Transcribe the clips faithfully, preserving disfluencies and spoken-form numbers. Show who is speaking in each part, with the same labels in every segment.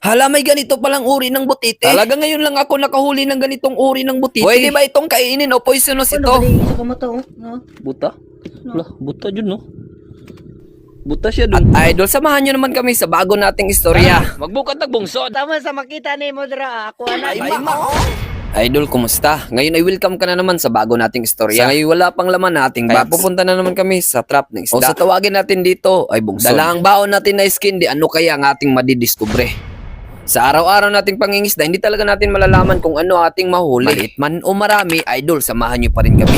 Speaker 1: Hala, may ganito palang uri ng butite. Talaga ngayon lang ako nakahuli ng ganitong uri ng butite. Pwede ba itong kainin o poisonous ito?
Speaker 2: Ano ba sa kamata oh? No?
Speaker 3: Buta? Lah, buta dyan, no? Buta siya
Speaker 1: At
Speaker 3: dun.
Speaker 1: idol, samahan nyo naman kami sa bago nating istorya.
Speaker 3: Magbukat ng bungsod.
Speaker 2: Tama sa makita ni mo dra ako ana.
Speaker 1: Ay, ma- Idol, kumusta? Ngayon ay welcome ka na naman sa bago nating istorya. Sa ngayon wala pang laman nating box. Pupunta na naman kami sa trap ng isda. O sa tawagin natin dito ay bungsod. Dala ang baon natin na skin, di ano kaya ang ating madidiskubre. Sa araw-araw nating pangingisda, hindi talaga natin malalaman kung ano ating mahuli. Maliit man o marami, idol, samahan nyo pa rin kami.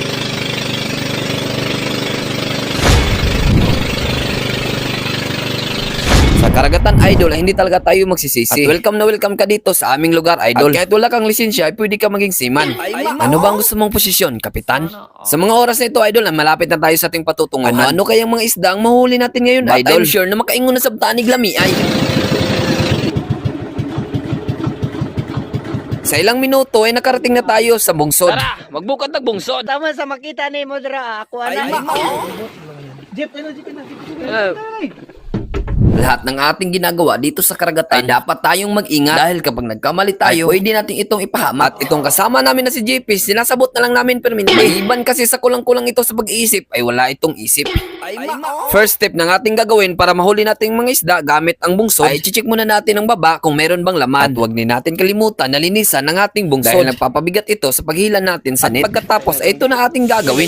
Speaker 1: Sa karagatan, idol, ay hindi talaga tayo magsisisi. At welcome na welcome ka dito sa aming lugar, idol. At kahit wala kang lisensya, ay pwede ka maging seaman. Ano ba ang gusto mong posisyon, kapitan? Sa mga oras na ito, idol, ay malapit na tayo sa ating patutunguhan. Ano, ano kayang mga isda ang mahuli natin ngayon, But idol? I'm sure na makaingon na sa tanig lami ay. Sa ilang minuto ay nakarating na tayo sa bungsod.
Speaker 3: Tara, magbukat ng bungsod.
Speaker 2: Tama sa makita ni mo dra ako ana. Jeep ano jeep na.
Speaker 3: Eh,
Speaker 1: Lahat ng ating ginagawa dito sa karagatan ay dapat tayong mag-ingat dahil kapag nagkamali tayo, ay pwede natin itong ipahamak. At itong kasama namin na si J P, sinasabot na lang namin permanente. Maliban kasi sa kulang-kulang ito sa pag-iisip, ay wala itong isip. First step ng ating gagawin para mahuli nating mga isda gamit ang bungsod, ay i-check muna natin ang baba kung meron bang laman. At huwag din natin kalimutan na linisan ng ating bungsod dahil nagpapabigat ito sa paghila natin sa net. At pagkatapos ay ito na ating gagawin.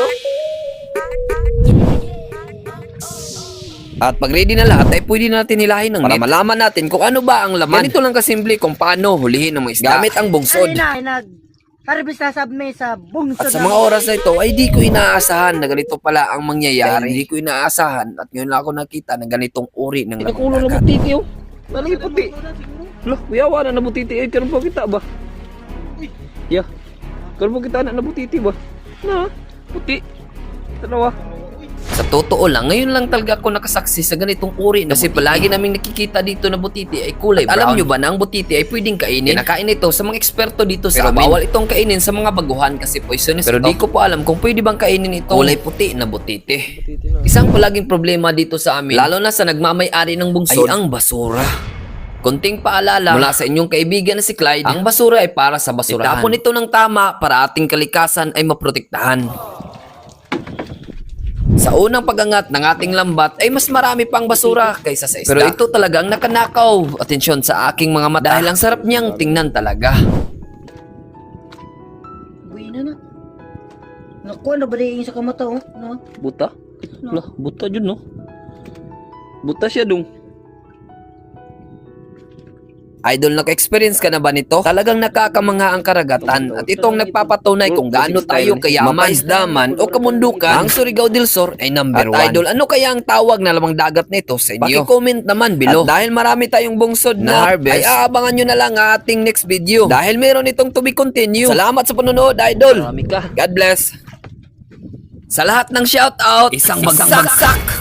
Speaker 1: At pag ready na lahat ay pwede natin hilahin ng para net malaman natin kung ano ba ang laman. Ganito lang kasimple kung paano hulihin ng mga isda gamit ang bungsod.
Speaker 2: Ay na nag harvest na sab me sa bungsod.
Speaker 1: At sa mga oras na ito ay di ko inaasahan na ganito pala ang mangyayari. Hindi ko inaasahan at ngayon lang ako nakita ng ganitong uri ng
Speaker 3: Nakulo na
Speaker 1: laman.
Speaker 3: butiti, oh. Nalangi puti. Lah, kuyawa na na butiti. Eh, karon po kita ba? Yeah. Karon po kita na na butiti ba? Na, puti. Tanawa.
Speaker 1: Sa totoo lang, ngayon lang talaga ako nakasaksi sa ganitong uri na kasi butiti. Palagi naming nakikita dito na butiti ay kulay brown. Alam nyo ba na ang butiti ay pwedeng kainin? Kinakain ito sa mga eksperto dito sa amin. Bawal itong kainin sa mga baguhan kasi poisonous. Pero di ko po alam kung pwede bang kainin ito kulay puti na butiti. Isang palaging problema dito sa amin, lalo na sa nagmamay-ari ng bungsod, ay ang basura. Konting paalala mula sa inyong kaibigan na si Clyde, ang basura ay para sa basurahan. Itapon ito ng tama para ating kalikasan ay maprotektahan. Sa unang pagangat ng ating lambat ay mas marami pang basura kaysa sa isda. Pero ito talagang nakanakaw. Atensyon sa aking mga mata dahil ang sarap niyang tingnan talaga.
Speaker 2: Buhay na na. Naku ano ba di sa kamata oh? No?
Speaker 3: Buta? Lah, buta dyan, no? Buta siya dong.
Speaker 1: Idol, naka-experience ka na ba nito? Talagang nakakamangha ang karagatan at itong nagpapatunay kung gaano tayo kayaman, mapaisdaman o kamundukan. Ang Surigao del Sur ay number one. At idol, ano kaya ang tawag na lamang dagat nito sa inyo? Paki-comment naman below. At dahil marami tayong bungsod na harvest, ay aabangan nyo na lang ang ating next video. Dahil meron itong to be continue. Salamat sa panonood, idol.
Speaker 3: Marami ka.
Speaker 1: God bless. Sa lahat ng shoutout, isang bagsak.